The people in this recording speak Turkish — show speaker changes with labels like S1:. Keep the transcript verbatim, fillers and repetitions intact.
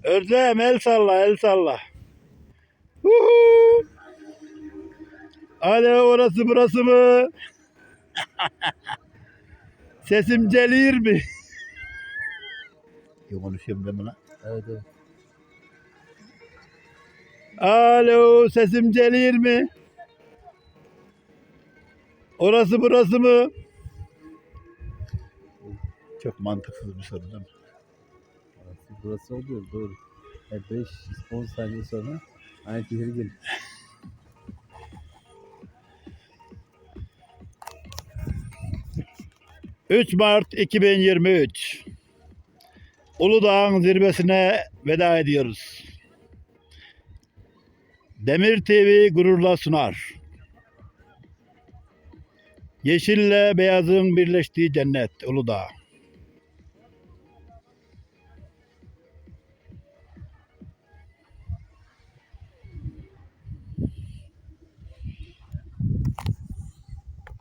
S1: Özlem el salla el salla. Huhu. Alo orası burası mı? Sesim gelir mi? Yok konuşuyorum ben buna.
S2: Evet evet.
S1: Alo sesim gelir mi? Orası burası mı? Çok mantıksız bir soru değil mi?
S2: Burası, burası oluyor doğru. beş on saniye sonra aynı şehir gelir.
S1: üç Mart iki bin yirmi üç Uludağ'ın zirvesine veda ediyoruz. Demir T V gururla sunar. Yeşille beyazın birleştiği cennet Uludağ.